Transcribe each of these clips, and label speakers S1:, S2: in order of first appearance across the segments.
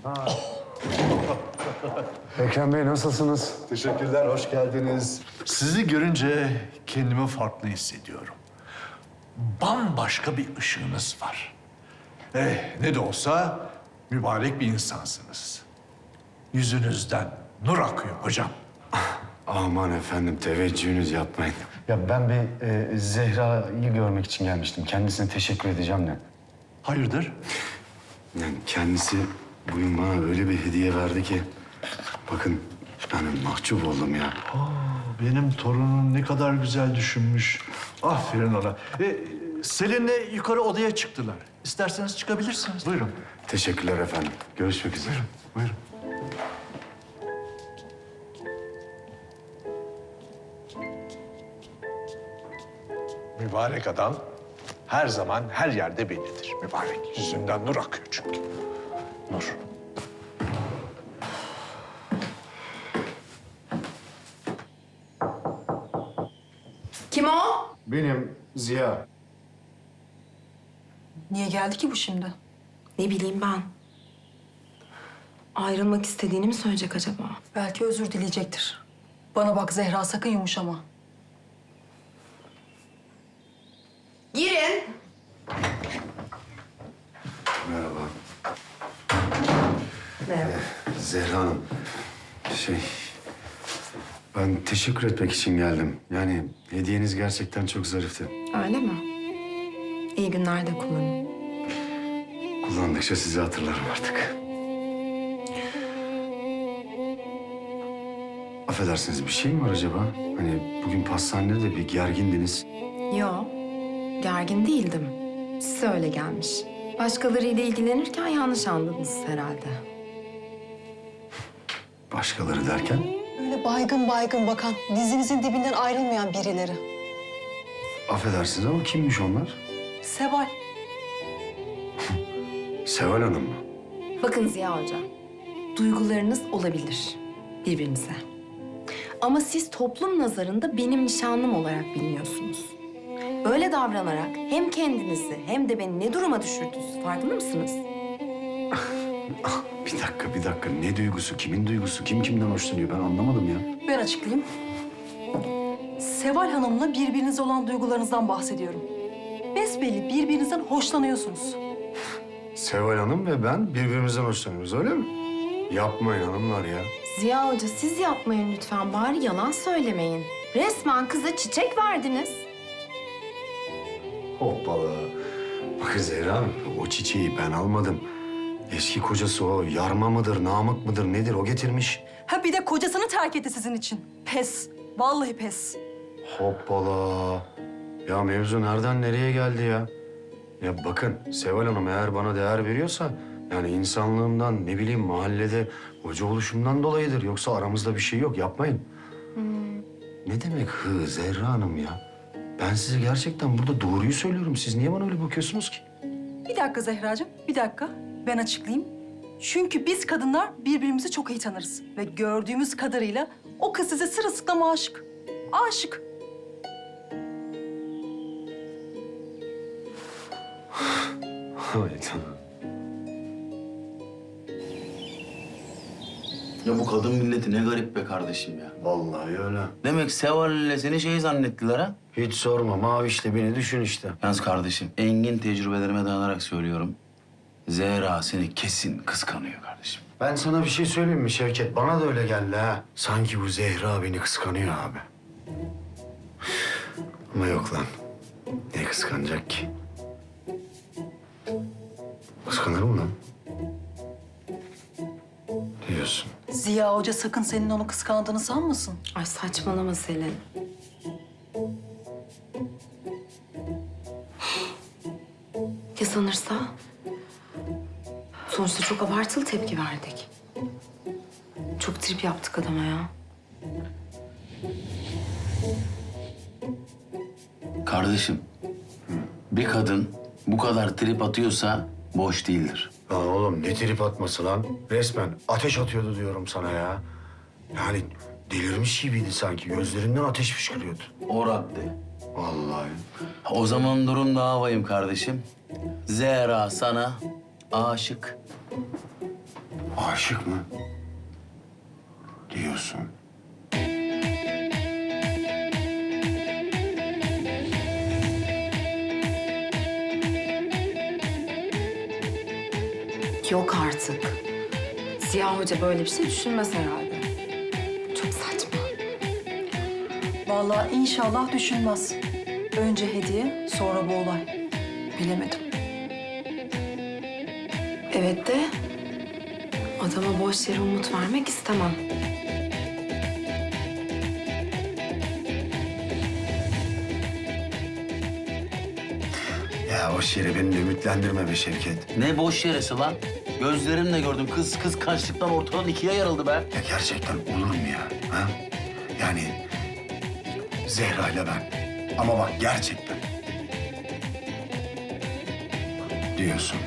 S1: Ekrem Bey nasılsınız?
S2: Teşekkürler, hoş geldiniz.
S3: Sizi görünce kendimi farklı hissediyorum. Bambaşka bir ışığınız var. Ne de olsa mübarek bir insansınız. Yüzünüzden nur akıyor hocam.
S1: Aman efendim teveccühünüz yapmayın. Ya ben bir Zehra'yı görmek için gelmiştim. Kendisine teşekkür edeceğim de.
S3: Hayırdır?
S1: Yani kendisi bugün bana öyle bir hediye verdi ki... Bakın yani mahcup oldum ya.
S3: Benim torunum ne kadar güzel düşünmüş. Aferin ona. Selin'le yukarı odaya çıktılar. İsterseniz çıkabilirsiniz. Buyurun.
S1: Teşekkürler efendim. Görüşmek üzere.
S3: Buyurun. Mübarek adam her zaman her yerde bellidir. Mübarek. Yüzünden nur akıyor çünkü. Nur.
S4: Kim o?
S1: Benim Ziya.
S4: Niye geldi ki bu şimdi?
S5: Ne bileyim ben. Ayrılmak istediğini mi söyleyecek acaba?
S4: Belki özür dileyecektir. Bana bak Zehra, sakın yumuşama.
S5: Girin.
S1: Merhaba.
S5: Merhaba.
S1: Zehra Hanım. Ben teşekkür etmek için geldim. Yani hediyeniz gerçekten çok zarifti.
S5: Öyle mi? İyi günler de kullanın.
S1: Kullandıkça sizi hatırlarım artık. Affedersiniz bir şey mi var acaba? Hani bugün pastanede de bir gergindiniz.
S5: Yo, gergin değildim. Size öyle gelmiş. Başkalarıyla ilgilenirken yanlış anladınız herhalde.
S1: Başkaları derken?
S4: Öyle baygın baygın bakan, dizinizin dibinden ayrılmayan birileri.
S1: Affedersiniz ama kimmiş onlar?
S4: Seval.
S1: Seval Hanım mı?
S5: Bakın Ziya Hoca, duygularınız olabilir birbirinize. Ama siz toplum nazarında benim nişanlım olarak biliniyorsunuz. Böyle davranarak hem kendinizi hem de beni ne duruma düşürdünüz farkında mısınız?
S1: Bir dakika. Ne duygusu, kimin duygusu, kim kimden hoşlanıyor ben anlamadım ya.
S4: Ben açıklayayım. Seval Hanım'la birbirinize olan duygularınızdan bahsediyorum. Besbelli birbirinizden hoşlanıyorsunuz.
S1: Seval Hanım ve ben birbirimizden hoşlanıyoruz öyle mi? Yapmayın hanımlar ya.
S5: Ziya Hoca siz yapmayın lütfen bari yalan söylemeyin. Resmen kıza çiçek verdiniz.
S1: Hoppala. Bakın Zehra Hanım, o çiçeği ben almadım. Eski kocası o yarma mıdır, namık mıdır nedir o getirmiş.
S4: Ha bir de kocasını terk etti sizin için. Pes. Vallahi pes.
S1: Hoppala. Ya mevzu nereden nereye geldi ya? Ya bakın Seval Hanım eğer bana değer veriyorsa... yani insanlığımdan, ne bileyim mahallede hoca oluşumdan dolayıdır. Yoksa aramızda bir şey yok, yapmayın. Ne demek Zehra Hanım ya? Ben size gerçekten burada doğruyu söylüyorum. Siz niye bana öyle bakıyorsunuz ki?
S4: Bir dakika Zehracığım, bir dakika. Ben açıklayayım. Çünkü biz kadınlar birbirimizi çok iyi tanırız. Ve gördüğümüz kadarıyla o kız size sırılsıklam aşık. Aşık.
S1: Hay canım.
S6: Ya bu kadın milleti ne garip be kardeşim ya.
S1: Vallahi öyle.
S6: Demek Seval ile seni şey zannettiler ha?
S1: Hiç sorma. Mavişle beni düşün işte.
S6: Yalnız kardeşim, engin tecrübelerime dayanarak söylüyorum. Zehra seni kesin kıskanıyor kardeşim.
S1: Ben sana bir şey söyleyeyim mi Şevket? Bana da öyle geldi ha. Sanki bu Zehra beni kıskanıyor abi. Ama yok lan. Ne kıskanacak ki? Kıskanır mı lan? Diyorsun.
S4: Ziya Hoca sakın senin onu kıskandığını sanmasın.
S5: Ay saçmalama Selin. Ya sanırsa? Sonuçta çok abartılı tepki verdik. Çok trip yaptık adama ya.
S6: Kardeşim, bir kadın bu kadar trip atıyorsa boş değildir.
S1: Lan oğlum ne trip atması lan? Resmen ateş atıyordu diyorum sana ya. Yani delirmiş gibiydi sanki. Gözlerinden ateş fışkırıyordu.
S6: O radde.
S1: Vallahi.
S6: O zaman durum daha vahim kardeşim. Zehra sana aşık.
S1: Aşık mı? Diyorsun.
S5: Yok artık. Ziya Hoca böyle bir şey düşünmez herhalde. Çok saçma.
S4: Vallahi inşallah düşünmez. Önce hediye, sonra bu olay. Bilemedim.
S5: Evet de adama boş yere umut vermek istemem.
S1: Ya boş yere beni de ümitlendirme be Şevket.
S6: Ne boş yeresi lan? Gözlerimle gördüm. Kız kıskançlıktan ortadan ikiye yarıldı be.
S1: Ya gerçekten olur mu ya? Ha? Yani Zehra ile ben. Ama bak gerçekten. Diyorsun.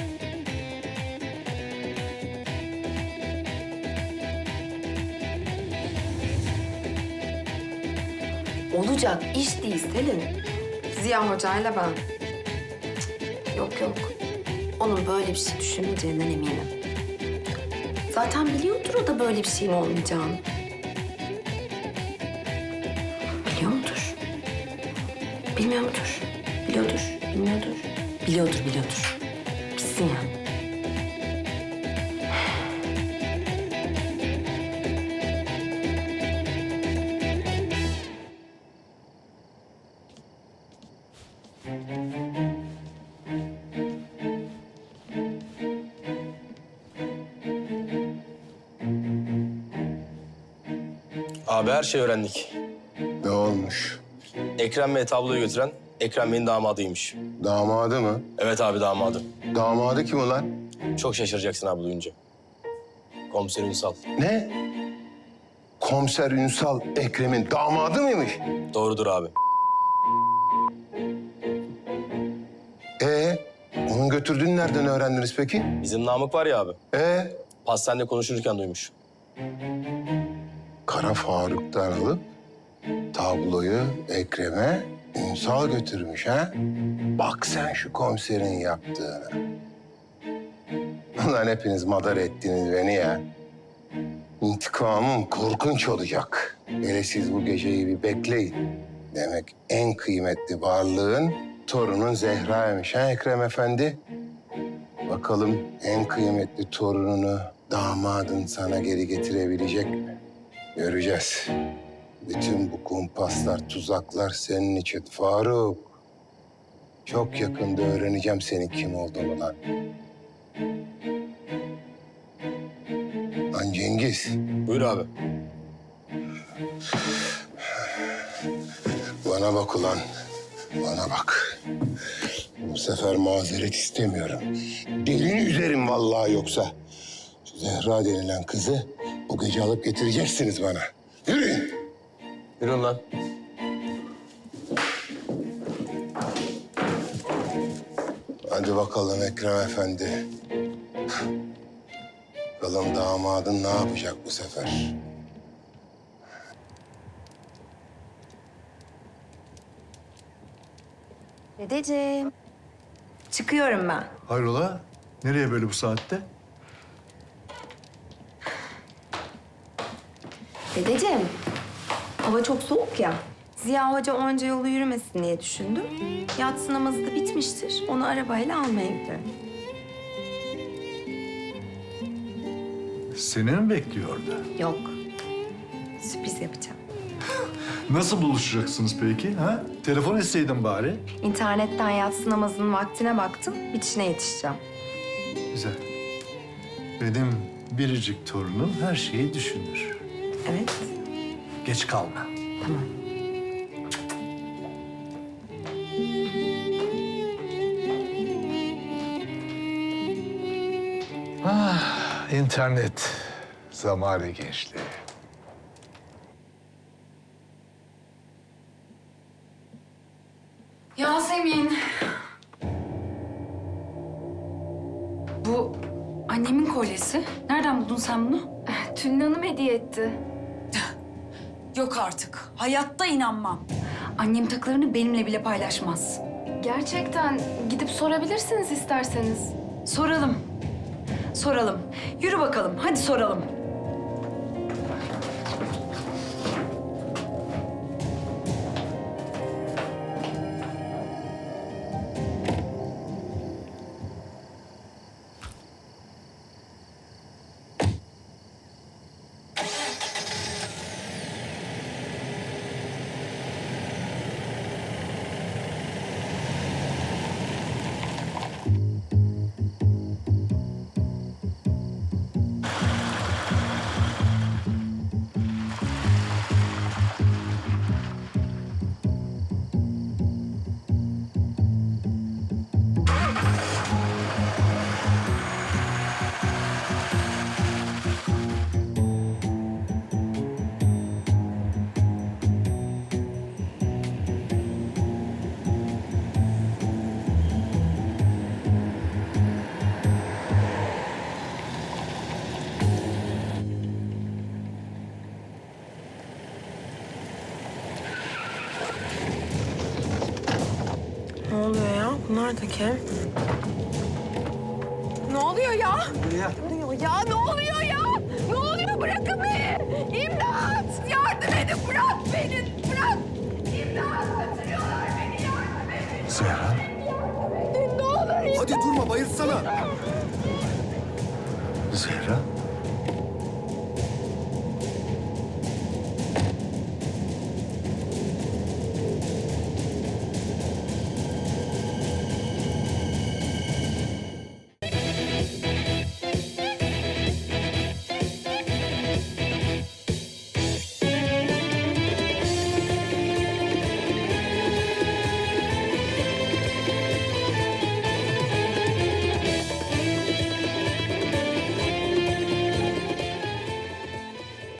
S5: Olacak iş değil Selin. Ziya Hoca'yla ben. Yok yok. Onun böyle bir şey düşünmeyeceğinden eminim. Zaten biliyordur o da böyle bir şeyin olmayacağını. Biliyor mudur? Bilmiyor mudur? Biliyordur, bilmiyordur. Biliyordur. Bilsin yani.
S7: Abi her şeyi öğrendik.
S2: Ne olmuş?
S7: Ekrem Bey tabloyu götüren Ekrem Bey'in damadıymış.
S2: Damadı mı?
S7: Evet abi damadı.
S2: Damadı kim ulan?
S7: Çok şaşıracaksın abi duyunca. Komiser Ünsal.
S2: Ne? Komiser Ünsal Ekrem'in damadı mıymış?
S7: Doğrudur abi.
S2: Onun götürdüğünü nereden öğrendiniz peki?
S7: Bizim Namık var ya abi. Pastanede konuşurken duymuş.
S2: Kara Faruk'tan alıp tabloyu Ekrem'e Ünsal götürmüş ha? Bak sen şu komiserin yaptığını. Ulan hepiniz madar ettiniz beni ya. İntikamım korkunç olacak. Hele siz bu geceyi bir bekleyin. Demek en kıymetli varlığın torunun Zehra'ymış ha Ekrem Efendi? Bakalım en kıymetli torununu damadın sana geri getirebilecek mi? Göreceğiz. Bütün bu kumpaslar, tuzaklar senin için Faruk. Çok yakında öğreneceğim senin kim olduğunu lan. Lan Cengiz.
S7: Buyur abi.
S2: Bana bak ulan. Bana bak. Bu sefer mazeret istemiyorum. Delini üzerim vallahi yoksa. Şu Zehra denilen kızı bu gece alıp getireceksiniz bana. Yürüyün.
S7: Yürüyün lan.
S2: Hadi bakalım Ekrem Efendi. Bakalım damadın ne yapacak bu sefer?
S5: Dedeciğim. Çıkıyorum ben.
S3: Hayrola? Nereye böyle bu saatte?
S5: Dedeciğim, hava çok soğuk ya. Ziya Hoca onca yolu yürümesin diye düşündüm. Yatsı namazı da bitmiştir. Onu arabayla almaya gidiyorum.
S3: Seni mi bekliyordu?
S5: Yok, sürpriz yapacağım.
S3: Nasıl buluşacaksınız peki? Ha? Telefon etseydin bari.
S5: İnternetten yatsı namazının vaktine baktım. Bitişine yetişeceğim.
S3: Güzel. Benim biricik torunum her şeyi düşünür.
S5: Evet,
S3: Geç kalma.
S5: tamam.
S3: İnternet. Zamanı gençliği.
S8: Yasemin. Bu annemin kolyesi. Nereden buldun sen bunu?
S5: Tülin Hanım hediye etti.
S8: Yok artık. Hayatta inanmam. Annem takılarını benimle bile paylaşmaz.
S5: Gerçekten gidip sorabilirsiniz isterseniz.
S8: Soralım. Soralım. Yürü bakalım. Hadi soralım.
S9: Ne oluyor ya? Bunlar da kim? Ne oluyor ya? Ne oluyor ya? Ne oluyor ya? Ne oluyor? Bırakın beni! İmdat! Yardım edin! Bırak beni! Bırak! İmdat! Kaçırıyorlar beni! Yardım edin!
S1: Zehra.
S9: Ne olur!
S10: Hadi durma bayılsana.
S1: Zehra.